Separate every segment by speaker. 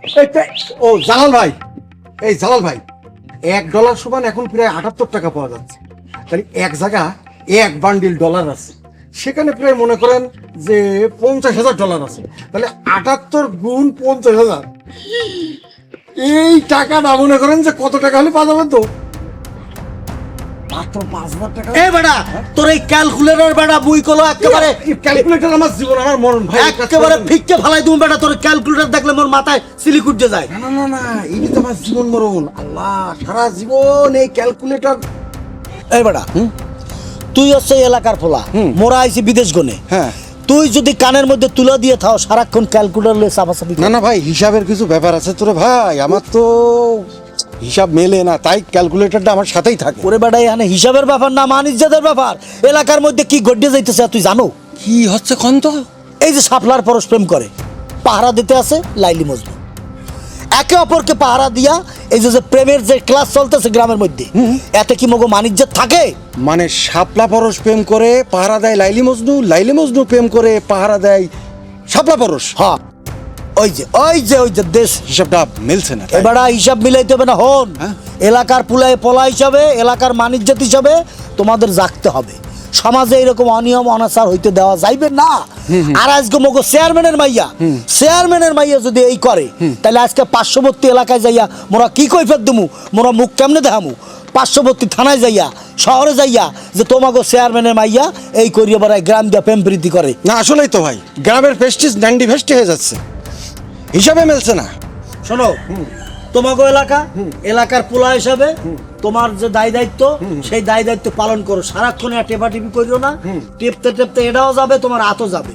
Speaker 1: ও জালাল ভাই, এই জালাল ভাই, $1 সমান এখন প্রায় 78 টাকা পাওয়া যাচ্ছে। তাহলে এক জায়গা এক বান্ডিল ডলার আছে, সেখানে প্রায় মনে করেন যে $50,000 আছে। তাহলে 78 গুণ 50,000, এই টাকাটা মনে করেন যে কত টাকা হলে পাওয়া যাবে? তো মাত্র 5,000 টাকা।
Speaker 2: এ বেটা, তোর এই ক্যালকুলেটর বেটা বই কলো একেবারে
Speaker 1: ক্যালকুলেটর আমার জীবন, আমার মরণ ভাই,
Speaker 2: একেবারে ফিক্কে ফালাই তুমি বেটা। তোর ক্যালকুলেটর দেখলে মোর মাথায় সিলিক উঠে যায়।
Speaker 1: না না না না, এই তো আমার জীবন মরণ। আল্লাহ, সারা জীবন এই ক্যালকুলেটর।
Speaker 2: এই বেটা, তুই হচ্ছে এলাকার ফোলা, মোরা আইছি বিদেশ গনে।
Speaker 1: হ্যাঁ,
Speaker 2: তুই যদি কানের মধ্যে তুলে দিয়ে থাও সারাক্ষণ ক্যালকুলেটর লয়ে চাপাচাপি।
Speaker 1: না না ভাই, হিসাবের কিছু ব্যাপার আছে তোরে ভাই, আমার তো হিসাব মেলে না, তাই ক্যালকুলেটরটা আমার সাথেই থাকে।
Speaker 2: ওরে বেটা, এখানে হিসাবের ব্যাপার না, মানিজ্জাদের ব্যাপার। এলাকার মধ্যে কি গড্ডে যাইতেছে তুই জানো?
Speaker 1: কি হচ্ছে কোন তো?
Speaker 2: এই যে শাপলার পরশ প্রেম করে, পাহারা দিতে আছে লাইলি মজনু, একে অপরকে পাহারা দিয়া এই যে প্রেমের যে ক্লাস চলতেছে গ্রামের মধ্যে, এতে কি মগো মানিজ্জাত থাকে?
Speaker 1: মানে শাপলা পরশ প্রেম করে পাহারা দেয় লাইলি মজনু, লাইলি মজনু প্রেম করে পাহারা দেয় শাপলা পরশ।
Speaker 2: হ্যাঁ, ওই যে দেশ
Speaker 1: হিসাবটা মিলছে না।
Speaker 2: এবার হিসাব মিলাইতে হবে না। হন,
Speaker 1: হ্যাঁ?
Speaker 2: এলাকার পুলায় পলা হিসাবে, এলাকার মানিজ্জাত হিসাবে তোমাদের জাগতে হবে। সমাজে এরকম অনিয়ম অনাচার হইতে দেওয়া যাইবে না। আর আজকে মগো চেয়ারম্যানের মাইয়া যদি এই করে, তাহলে আজকে পার্শ্ববর্তী এলাকায় যাইয়া মোরা কি কৈফিয়ত দিমু, মোরা মুখ কেমনে দেখামু? পার্শ্ববর্তী থানায় যাইয়া, শহরে যাইয়া, যে তোমাগো চেয়ারম্যানের মাইয়া এই করিয়া বেড়ায়, গ্রাম দিয়া প্রেম প্রীতি করে।
Speaker 1: না আসলেই তো ভাই, গ্রামের প্রেস্টিজ ন্যান্ডি ভেস্টি হয়ে যাচ্ছে, হিসাবে মিলছে না।
Speaker 2: শোনো, তোমাগো এলাকার পোলা হিসাবে তোমার যে দায় দায়িত্ব, সেই দায় দায়িত্ব পালন করো। সারাক্ষণ টেপা টিপি করিও না, টেপতে টেপতে এটাও যাবে, তোমার হাতও যাবে।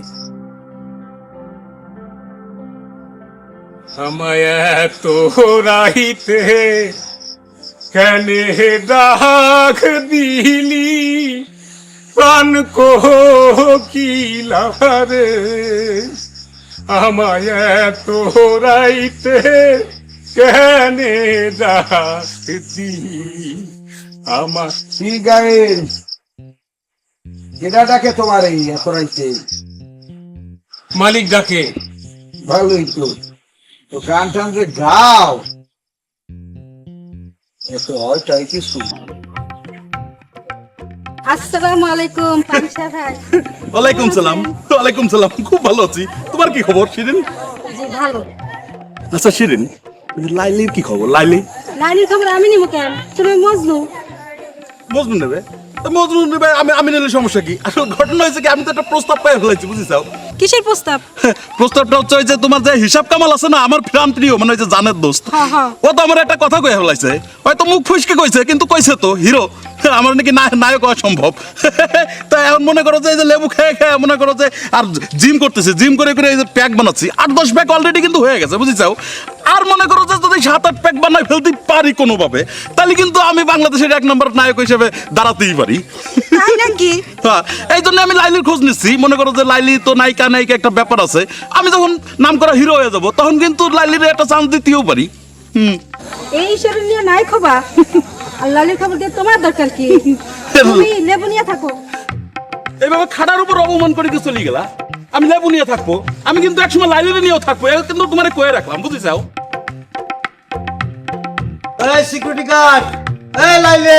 Speaker 3: আমায় তো রাইতে কেনে ডাক দিলি, প্রাণ কোকিলারে আমায় তো রাইতে কেনে ডাক দিলি। আমার
Speaker 1: কি গায়েন ডাকে তোমার এই এত রাইতে?
Speaker 3: মালিক ডাকে।
Speaker 1: ভালোই তো, তো গান টান যে গাও, এত হয়টাই কিছু।
Speaker 4: আসসালামু আলাইকুম পারিসা ভাই।
Speaker 5: ওয়ালাইকুম সালাম। ওয়ালাইকুম সালাম, খুব ভালো আছি। তোমার কি খবর শিরিন?
Speaker 4: জি ভালো।
Speaker 5: আচ্ছা শিরিন, লাইলির কি খবর?
Speaker 4: লাইলির খবর আমি নিব কেন? তুমি মজনু।
Speaker 5: মজনু নেবে তো মজনু নেবে, আমি নিলে সমস্যা কি? আসলে ঘটনা হয়েছে কি, আমি তো একটা প্রস্তাব পাই ফেলাইছি, বুঝিছাও?
Speaker 4: কিসের প্রস্তাব?
Speaker 5: প্রস্তাবটা হচ্ছে ওই যে তোমার যে হিসাব কামাল আছে না, আমার প্রাণ প্রিয়, মানে ওই যে জানের দোস্ত,
Speaker 4: হ্যাঁ, হ্যাঁ।
Speaker 5: ও তো আমার একটা কথা কয়ে ফেলাইছে। হয়তো মুখ ফুসকে কইছে, কিন্তু কইছে তো হিরো, আমার নাকি নায়ক হওয়া সম্ভব। তা এখন মনে করো যে এই যে লেবু খেয়ে খেয়ে মনে করো যে আর জিম করতেছে, জিম করে করে এই যে প্যাক বানাচ্ছি, 8-10 প্যাক অলরেডি কিন্তু হয়ে গেছে, বুঝিছাও? আর মনে করো যে যদি 7-8 প্যাক বানাই ফেলতে পারি কোনোভাবে, তাহলে কিন্তু আমি বাংলাদেশের 1 নম্বর নায়ক হিসেবে দাঁড়াতেই পারি।
Speaker 4: তাই নাকি?
Speaker 5: হ্যাঁ, এই জন্য আমি লাইলির খোঁজ নিচ্ছি। মনে করো যে লাইলি তো নায়িকা একটা ব্যাপার আছে, আমি যখন নাম করা হিরো হয়ে যাব, তখন কিন্তু লাইলির একটা চান্স দিতেও পারি।
Speaker 4: এই হিসাবে নিয়ে নাই খবা। আর লালির খবর দিয়ে তোমার দরকার কি? তুমি লেবু নিয়ে থাকো।
Speaker 5: এইভাবে খাটার উপর অপমান করে দিয়ে চলে গেলা। আমি লেবু নিয়ে থাকবো, আমি কিন্তু একসময় লাইলির নিয়েও থাকবো, কিন্তু তোমার কয়ে রাখলাম, বুঝিছাও?
Speaker 2: এই সিকিউরিটি গার্ড, এই লাইলি।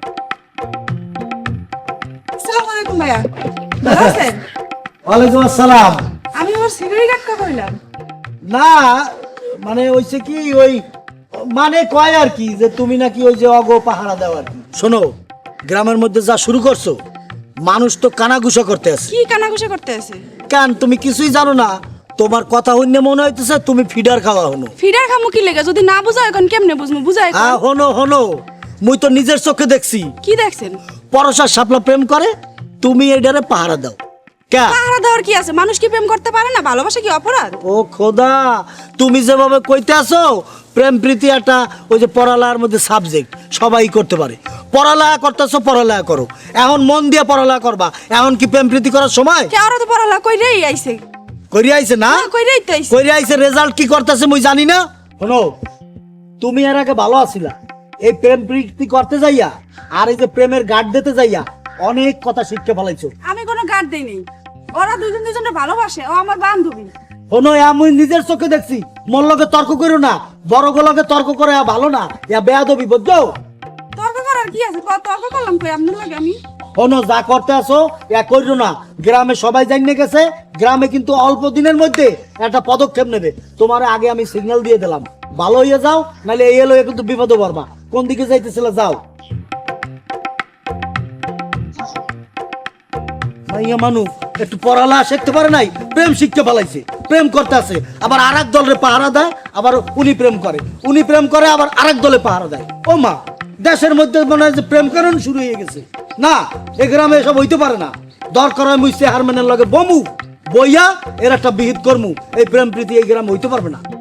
Speaker 4: আসসালামু আলাইকুম ভাইয়া। ভালো আছেন?
Speaker 2: ওয়ালাইকুম আসসালাম।
Speaker 4: আমি ওর সিকিউরিটি গার্ড কা কইলাম।
Speaker 2: না মানে হইছে কি, ওই মানে কয় আর কি, যে তুমি নাকি ওই যে অগো পাহারা দাও আর কি। শোনো, গ্রামের মধ্যে যা শুরু করছো, মানুষ তো কানাঘুষা করতে আছে।
Speaker 4: কি কানাঘুষা করতে আছে?
Speaker 2: কেন তুমি কিছুই জানো না? তোমার কথা হইনে মনে হইতেছে তুমি ফিডার খাওয়া হনো।
Speaker 4: ফিডার খামু কি লেগে? যদি না বুঝায় এখন কেমনে বুঝমু? বুঝায়
Speaker 2: হ্যাঁ, হনো মুই তো নিজের চোখে দেখছি।
Speaker 4: কি দেখছেন?
Speaker 2: পরশার শাপলা প্রেম করে, তুমি এটারে পাহারা দাও। কে
Speaker 4: পাহারা দেওয়ার কি আছে? মানুষ কি প্রেম করতে পারে না? ভালোবাসা কি অপরাধ?
Speaker 2: ও খোদা, তুমি যেভাবে কইতে আসো, প্রেম প্রীতি একটা ওই যে পড়ালেখার মধ্যে সাবজেক্ট, সবাই করতে পারে। পড়ালেখা করতেছো, পড়ালেখা করো, এখন মন দিয়ে পড়ালেখা করবা। এখন কি প্রেম প্রীতি করার সময়?
Speaker 4: কে ওরা তো পড়ালা কইরেই আইছে।
Speaker 2: কইরে আইছে না?
Speaker 4: কইরেই তো আইছে।
Speaker 2: কইরে আইছে, রেজাল্ট কি করতেছে মুই জানি না। শোনো, তুমি এর আগে ভালো আছিলা, এই প্রেম প্রীতি করতে যাইয়া আর এই যে প্রেমের গার্ড দিতে যাইয়া অনেক কথা শিখতে ফেলাইছো।
Speaker 4: আমি কোনো গার্ড দেই নাই। ওরা দুজনে ভালোবাসে, ও আমার বান্ধবী।
Speaker 2: হনো আমি নিজের চোখে দেখছি, মোর লগে তর্ক করো না, বড় লগে তর্ক করে ভালো না, ইয়া বেয়াদবি বুঝছো?
Speaker 4: তর্ক করার কি আছে? তর্ক করলাম কই আপনার লাগে আমি?
Speaker 2: হনো যা করতে আসো ইয়া কইরো না। গ্রামে সবাই জানিয়ে গেছে, গ্রামে কিন্তু অল্প দিনের মধ্যে একটা পদক্ষেপ নেবে। তোমার আগে আমি সিগন্যাল দিয়ে দিলাম, ভালো হয়ে যাও, নাহলে এই এলো কিন্তু বিপদে পড়বা। কোন দিকে যাইতেছিল যাও। মাইয়া মানু একটু পড়ালা শিখতে পারে নাই, প্রেম শিখতে পালাইছে, প্রেম করতে আছে, আবার আরেক দলের পাহারা দেয়, আবার উনি প্রেম করে, আবার আরেক দলে পাহারা দেয়। ও মা, দেশের মধ্যে মনে হয় যে প্রেম কারণ শুরু হয়ে গেছে। না, এ গ্রামে এসব হইতে পারে না। দরকার হয় মুই চেয়ারম্যানের লগে বমু, বইয়া এর একটা বিহিত কর্মু। এই প্রেম প্রীতি এই গ্রামে হইতে পারবে না।